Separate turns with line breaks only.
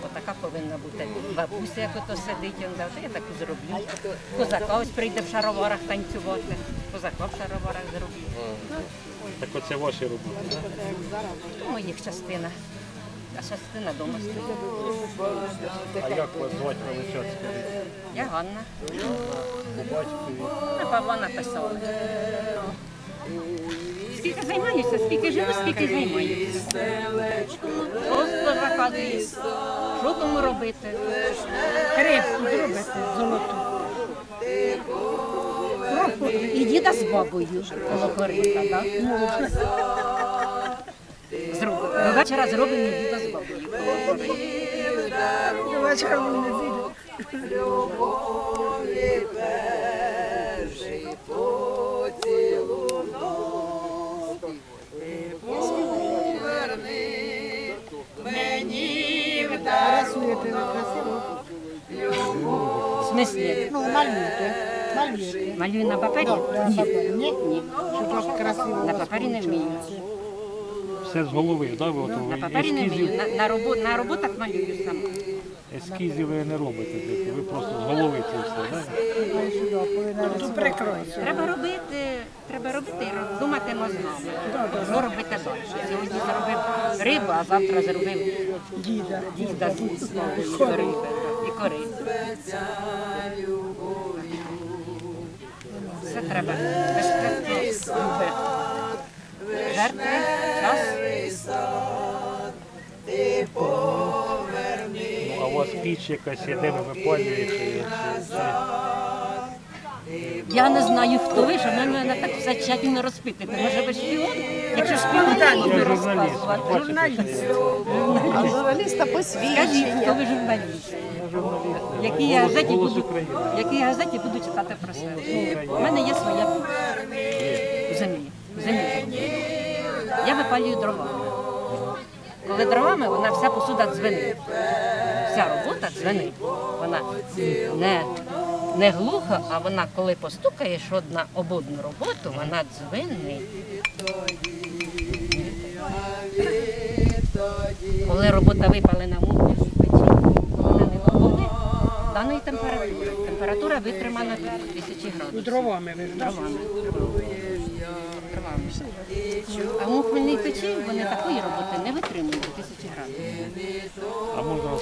Отака повинна бути. Бабуся, як ото сидить, він завжди, я таку зроблю. Козака ось прийде в шароварах танцювати. Козака в шароварах зроблю.
Так оце ваші роботи, так?
Моїх частина. А частина дома стоїть.
А як вас звати величать?
Я Ганна.
По батькові?
На Павла написали. Скільки займаюся, скільки живу, скільки займаюся. Просто заказую. Що тому робити? Рибку зробити золоту. І діда з бабою коло корита, так? Зробимо. До вечора зробимо і діда з бабою коло корита.
До вечора ми не підемо. Рисуєте ви красиво?
В смислі?
Ну, малюєте. Малюєте.
Малюю на папері?
Ні? Ні. Щоб так красиво.
На папері не вмію.
Все з голови, так? Ви
На папері не вмію. На роботах малюю сама.
ескізів ви не робите, ви просто з голови це все, так?
Тут прикройся.
Треба робити і думати мозгами. Що робити далі? Сьогодні зробив рибу, а завтра зробив діда з риби і корицю. Все треба безпечно робити. Жертви, час.
А у вас піч якась є, де ви випалюєте?
Я не знаю, хто ви, що ви мене так все тщательно розпитуєте. Може ви шпіон? Якщо шпіон, то
Я
буду
журналіст,
розказувати.
ви бачите, що я
Журналіста
Скажіть,
посвідчення.
хто ви журналіст?
журналіст.
Якій газеті
«Голос
буду,
України».
якій газеті буду читати про себе? У мене є своя в землі. В землі. Я випалюю дровами. Коли дровами, вона вся посуда дзвенить. Вся робота дзвенить. Вона не глуха, а вона, коли постукаєш одна об одну роботу, вона дзвенить. Коли робота випалена в муку печі, вона не доходить даної температури. Температура витримана 1000 градусів.
Дровами ви.
Дровами. А в мухмельній печі вони такої роботи не витримують 1000 градусів.
А можна